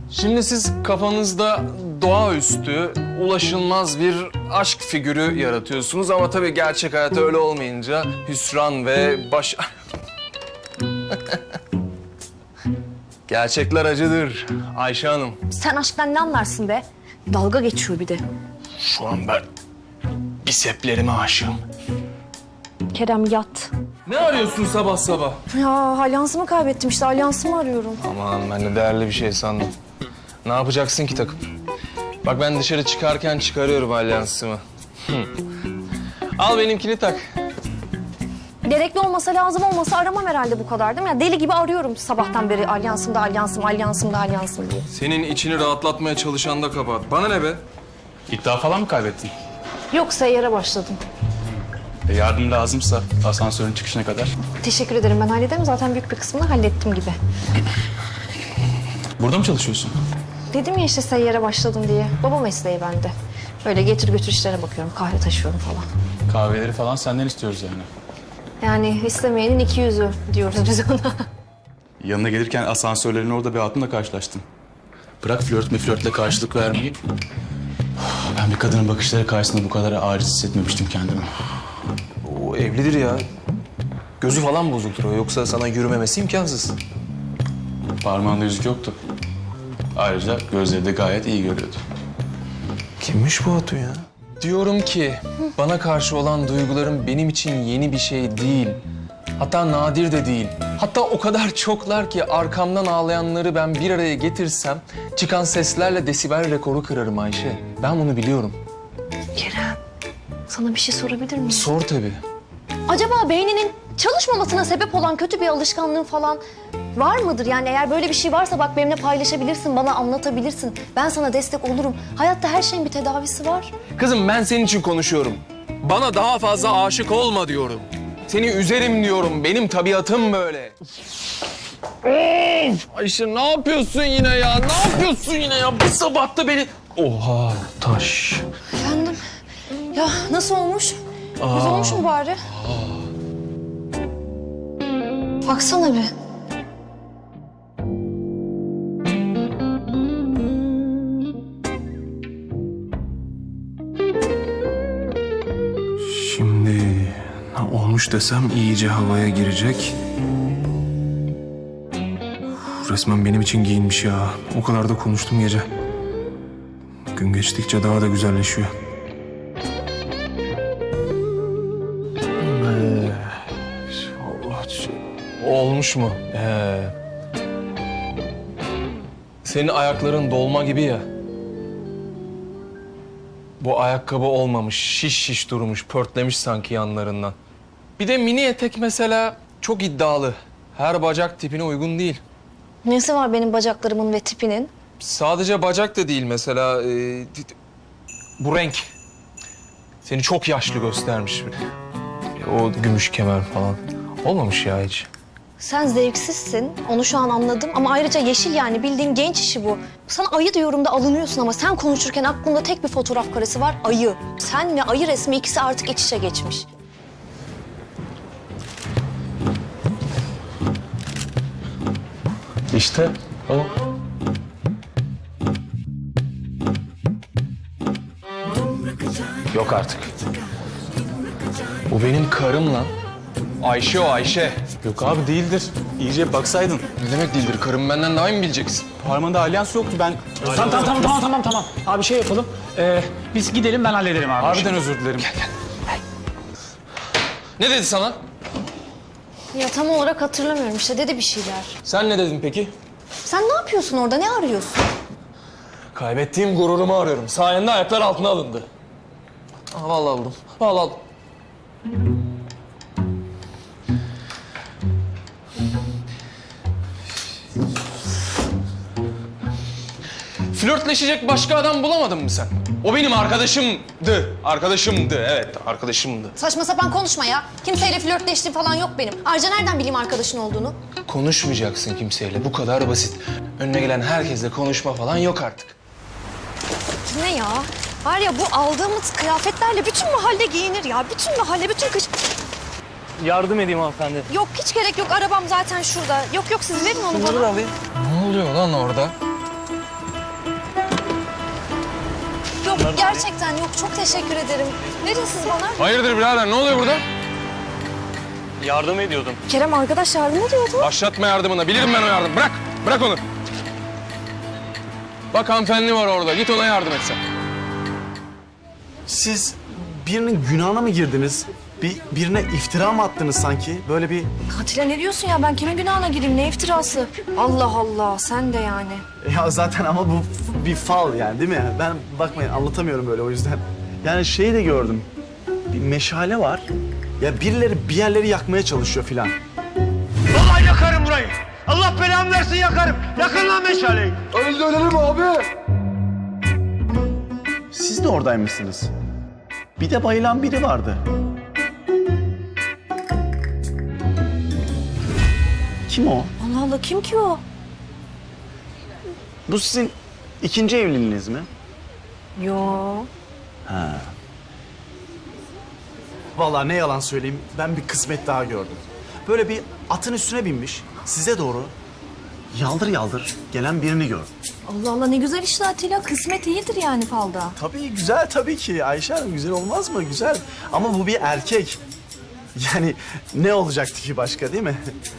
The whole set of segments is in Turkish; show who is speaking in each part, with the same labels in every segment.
Speaker 1: Şimdi siz kafanızda doğaüstü, ulaşılmaz bir aşk figürü yaratıyorsunuz ama tabii gerçek hayatta öyle olmayınca hüsran ve Gerçekler acıdır Ayşe Hanım.
Speaker 2: Sen aşktan ne anlarsın be? Dalga geçiyor bir de.
Speaker 1: Şu an ben biseplerime aşığım.
Speaker 2: Kerem yat.
Speaker 1: Ne arıyorsun sabah sabah?
Speaker 2: Ya alyansımı kaybettim işte, alyansımı arıyorum.
Speaker 1: Aman ben de değerli bir şey sandım. Ne yapacaksın ki takıp? Bak ben dışarı çıkarken çıkarıyorum alyansımı. Al benimkini tak.
Speaker 2: Gerekli olmasa, lazım olmasa aramam herhalde bu kadar değil mi? Ya deli gibi arıyorum sabahtan beri alyansımda, alyansım diye.
Speaker 1: Senin içini rahatlatmaya çalışan da kabahat. Bana ne be?
Speaker 3: İddia falan mı kaybettin?
Speaker 2: Yok, seyyara başladım.
Speaker 3: Yardım lazımsa asansörün çıkışına kadar.
Speaker 2: Teşekkür ederim, ben hallederim. Zaten büyük bir kısmını hallettim gibi.
Speaker 3: Burada mı çalışıyorsun?
Speaker 2: Dedim ya işte seyyara başladım diye. Baba mesleği bende. Böyle getir götür işlere bakıyorum, kahve taşıyorum falan.
Speaker 3: Kahveleri falan senden istiyoruz yani.
Speaker 2: Yani istemeyenin iki yüzü diyoruz biz ona.
Speaker 3: Yanına gelirken asansörlerin orada bir hatunla karşılaştım. Bırak flörtle karşılık vermeyi. Ben bir kadının bakışları karşısında bu kadar aciz hissetmemiştim kendimi.
Speaker 1: O evlidir ya. Gözü falan bozuktur o. Yoksa sana yürümemesi imkansız.
Speaker 3: Parmağında yüzük yoktu. Ayrıca gözleri de gayet iyi görüyordu.
Speaker 1: Kimmiş bu Hatun ya? Diyorum ki bana karşı olan duygularım benim için yeni bir şey değil. Hatta nadir de değil. Hatta o kadar çoklar ki arkamdan ağlayanları ben bir araya getirsem çıkan seslerle desibel rekoru kırarım Ayşe. Ben bunu biliyorum.
Speaker 2: Kerem, sana bir şey sorabilir miyim?
Speaker 1: Sor tabii.
Speaker 2: Acaba beyninin çalışmamasına sebep olan kötü bir alışkanlığın falan var mıdır? Yani eğer böyle bir şey varsa bak benimle paylaşabilirsin, bana anlatabilirsin. Ben sana destek olurum. Hayatta her şeyin bir tedavisi var.
Speaker 1: Kızım ben senin için konuşuyorum. Bana daha fazla aşık olma diyorum. Seni üzerim diyorum. Benim tabiatım böyle. Of! Ayşe ne yapıyorsun yine ya? Ne yapıyorsun yine ya? Bir sabah da beni... Oha taş.
Speaker 2: Efendim? Ya nasıl olmuş? Güzel olmuş mu bari? Baksana bir.
Speaker 1: Şimdi olmuş desem iyice havaya girecek. Resmen benim için giyinmiş ya. O kadar da konuştum gece. Gün geçtikçe daha da güzelleşiyor. Olmuş mu? Senin ayakların dolma gibi ya. Bu ayakkabı olmamış, şiş durmuş, pörtlemiş sanki yanlarından. Bir de mini etek mesela çok iddialı. Her bacak tipine uygun değil.
Speaker 2: Nesi var benim bacaklarımın ve tipinin?
Speaker 1: Sadece bacak da değil mesela. Bu renk. Seni çok yaşlı göstermiş. O gümüş kemer falan. Olmamış ya hiç.
Speaker 2: Sen zevksizsin, onu şu an anladım. Ama ayrıca yeşil, yani bildiğin genç işi bu. Sana ayı diyorum da alınıyorsun ama sen konuşurken aklımda tek bir fotoğraf karesi var, ayı. Sen ve ayı resmi ikisi artık iç içe geçmiş.
Speaker 1: İşte o. Yok artık. O benim karım lan. Ayşe o Ayşe.
Speaker 3: Yok abi değildir. İyice baksaydın.
Speaker 1: Ne demek değildir? Karım benden daha iyi mi bileceksin?
Speaker 3: Parmağında alyans yoktu ben.
Speaker 4: Tamam. Abi şey yapalım. Biz gidelim, ben hallederim abi.
Speaker 3: Harbiden özür dilerim.
Speaker 1: Ne dedi sana?
Speaker 2: Ya tam olarak hatırlamıyorum, işte dedi bir şeyler.
Speaker 1: Sen ne dedin peki?
Speaker 2: Sen ne yapıyorsun orada, ne arıyorsun?
Speaker 1: Kaybettiğim gururumu arıyorum. Sayende ayaklar altına alındı. Aa, vallahi buldum. Vallahi aldım. Flörtleşecek başka adam bulamadın mı sen? O benim arkadaşımdı. Arkadaşımdı, evet arkadaşımdı.
Speaker 2: Saçma sapan konuşma ya. Kimseyle flörtleştiğim falan yok benim. Ayrıca nereden bileyim arkadaşın olduğunu?
Speaker 1: Konuşmayacaksın kimseyle. Bu kadar basit. Önüne gelen herkesle konuşma falan yok artık.
Speaker 2: Ne ya? Var ya, bu aldığımız kıyafetlerle bütün mahalle giyinir ya. Bütün mahalle, bütün kış...
Speaker 4: Yardım edeyim hanımefendi.
Speaker 2: Yok, hiç gerek yok. Arabam zaten şurada. Yok siz verin onu bana.
Speaker 4: alayım.
Speaker 1: Ne oluyor lan orada?
Speaker 2: Gerçekten yok. Çok teşekkür ederim. Verin siz bana.
Speaker 1: Hayırdır birader, ne oluyor burada?
Speaker 5: Yardım ediyordum.
Speaker 2: Kerem arkadaş yardım ediyordu.
Speaker 1: Başlatma yardımına, bilirim ben o yardım. Bırak onu. Bak hanımefendi var orada, git ona yardım et sen.
Speaker 6: Siz birinin günahına mı girdiniz? Birine iftira mı attınız sanki? Böyle bir...
Speaker 2: Atilla ne diyorsun ya? Ben kimin günahına gireyim? Ne iftirası? Allah Allah, sen de yani.
Speaker 6: Ya zaten ama bu bir fal yani değil mi? Ben bakmayın anlatamıyorum böyle o yüzden. Yani şeyi de gördüm. Bir meşale var. Ya birileri bir yerleri yakmaya çalışıyor filan.
Speaker 5: Vallahi yakarım burayı. Allah belamı versin yakarım. Yakın lan meşaleyi.
Speaker 6: Siz de oradaymışsınız. Bir de bayılan biri vardı. Kim o?
Speaker 2: Allah Allah, kim ki o?
Speaker 6: Bu sizin ikinci evliliğiniz mi?
Speaker 2: Yo.
Speaker 6: Vallahi ne yalan söyleyeyim, ben bir kısmet daha gördüm. Böyle bir atın üstüne binmiş, size doğru yaldır yaldır gelen birini gördüm.
Speaker 2: Allah Allah, ne güzel işte Atilla. Kısmet iyidir yani falda.
Speaker 6: Tabii güzel tabii ki Ayşe Hanım, güzel olmaz mı? Güzel. Ama bu bir erkek. Yani ne olacaktı ki başka değil mi?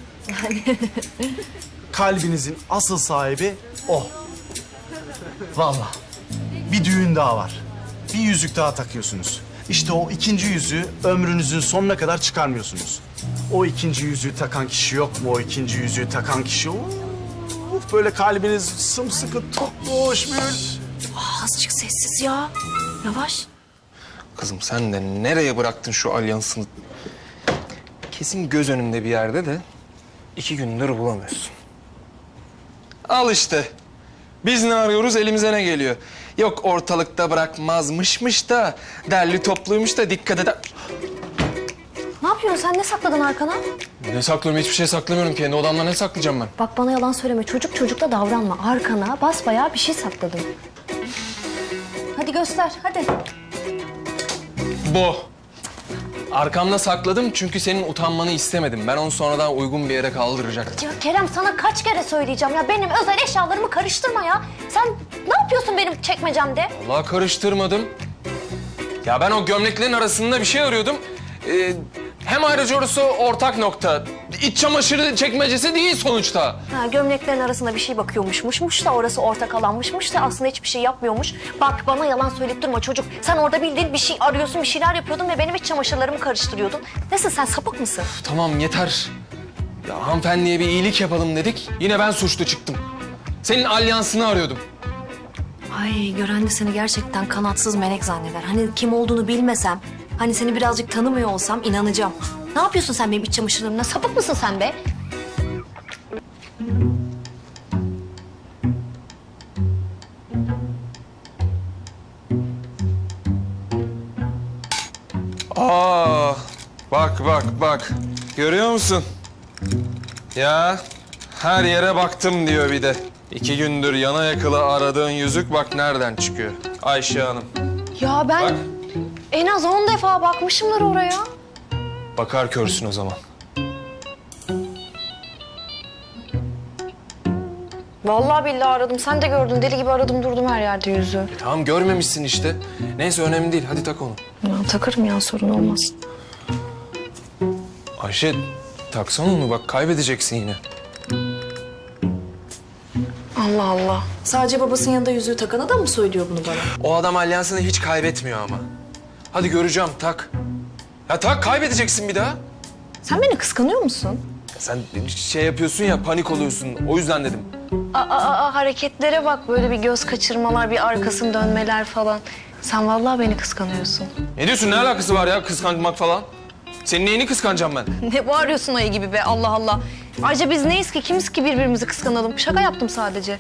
Speaker 6: Kalbinizin asıl sahibi o. Vallahi. Bir düğün daha var. Bir yüzük daha takıyorsunuz. İşte o ikinci yüzüğü ömrünüzün sonuna kadar çıkarmıyorsunuz. O ikinci yüzüğü takan kişi yok mu? O ikinci yüzüğü takan kişi... Uf, böyle kalbiniz sımsıkı tutmuş bir...
Speaker 2: Azıcık sessiz ya. Yavaş.
Speaker 1: Kızım sen de nereye bıraktın şu alyansını? Kesin göz önünde bir yerde de 2 gündür bulamıyorsun. Al işte. Biz ne arıyoruz, elimize ne geliyor? Yok ortalıkta bırakmazmışmış da, derli topluymuş da dikkat eder.
Speaker 2: Ne yapıyorsun sen? Ne sakladın arkana?
Speaker 1: Ne saklıyorum? Hiçbir şey saklamıyorum. Kendi odamda ne saklayacağım ben?
Speaker 2: Bak bana yalan söyleme. Çocuk çocukla davranma. Arkana basbayağı bir şey sakladın. Hadi göster, hadi.
Speaker 1: Bu. Arkamda sakladım çünkü senin utanmanı istemedim. Ben onu sonradan uygun bir yere kaldıracaktım.
Speaker 2: Ya Kerem, sana kaç kere söyleyeceğim ya. Benim özel eşyalarımı karıştırma ya. Sen ne yapıyorsun benim çekmecemde?
Speaker 1: Vallahi karıştırmadım. Ya ben o gömleklerin arasında bir şey arıyordum. Hem ayrıca orası ortak nokta. İç çamaşırı çekmecesi değil sonuçta.
Speaker 2: Ha, gömleklerin arasında bir şey bakıyormuşmuş da orası ortak alanmışmış da aslında hiçbir şey yapmıyormuş. Bak bana yalan söyleyip durma çocuk. Sen orada bildiğin bir şey arıyorsun, bir şeyler yapıyordun ve benim iç çamaşırlarımı karıştırıyordun. Nesin sen, sapık mısın?
Speaker 1: Tamam yeter. Ya hanımefendiye bir iyilik yapalım dedik. Yine ben suçlu çıktım. Senin alyansını arıyordum.
Speaker 2: Ay, gören de seni gerçekten kanatsız melek zanneder. Hani kim olduğunu bilmesem, hani seni birazcık tanımıyor olsam inanacağım. Ne yapıyorsun sen benim iç çamaşırlarımla? Sapık mısın sen be?
Speaker 1: Aa, bak. Görüyor musun? Ya her yere baktım diyor bir de. 2 gündür yana yakıla aradığın yüzük bak nereden çıkıyor. Ayşe Hanım.
Speaker 2: Ya ben
Speaker 1: Bak.
Speaker 2: en az 10 defa bakmışımdır oraya.
Speaker 1: Bakar körsün o zaman.
Speaker 2: Vallahi billahi aradım. Sen de gördün. Deli gibi aradım durdum her yerde yüzü.
Speaker 1: Tamam görmemişsin işte. Neyse önemli değil. Hadi tak onu.
Speaker 2: Ya takarım ya, sorun olmaz.
Speaker 1: Ayşe taksana onu bak kaybedeceksin yine.
Speaker 2: Allah Allah. Sadece babasının yanında yüzüğü takana da mı söylüyor bunu bana?
Speaker 1: O adam alyansını hiç kaybetmiyor ama. Hadi göreceğim tak. Ya tak kaybedeceksin bir daha.
Speaker 2: Sen beni kıskanıyor musun?
Speaker 1: Sen şey yapıyorsun ya panik oluyorsun. O yüzden dedim.
Speaker 2: Hareketlere bak, böyle bir göz kaçırmalar, bir arkasını dönmeler falan. Sen vallahi beni kıskanıyorsun.
Speaker 1: Ne diyorsun? Ne alakası var ya kıskanmak falan? Senin neyini kıskanacağım ben?
Speaker 2: Ne bağırıyorsun ayı gibi be, Allah Allah. Ayrıca biz neyiz ki, kimiz ki birbirimizi kıskanalım? Şaka yaptım sadece.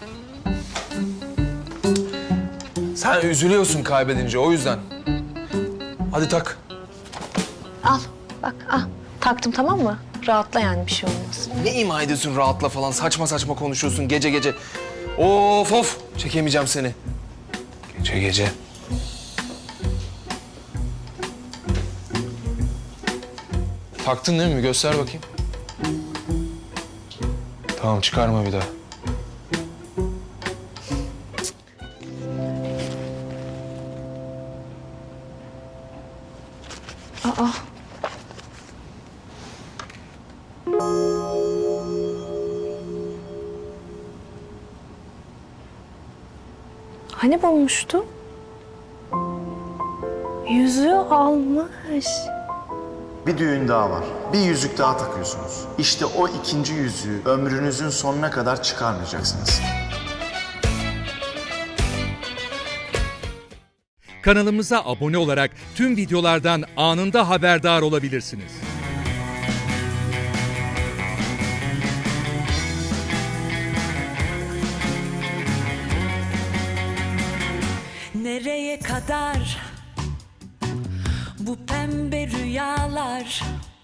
Speaker 1: Sen üzülüyorsun kaybedince o yüzden. Hadi tak.
Speaker 2: Al, bak al. Taktım, tamam mı? Rahatla yani, bir şey olmaz.
Speaker 1: Ne ima ediyorsun rahatla falan saçma saçma konuşuyorsun gece gece. Of çekemeyeceğim seni. Gece. Taktın değil mi? Göster bakayım. Tamam çıkarma bir daha.
Speaker 2: Hani bulmuştu? Yüzüğü almış.
Speaker 6: Bir düğün daha var. Bir yüzük daha takıyorsunuz. İşte o ikinci yüzüğü ömrünüzün sonuna kadar çıkarmayacaksınız.
Speaker 7: Kanalımıza abone olarak tüm videolardan anında haberdar olabilirsiniz.
Speaker 8: Nereye kadar bu pembe rüyalar?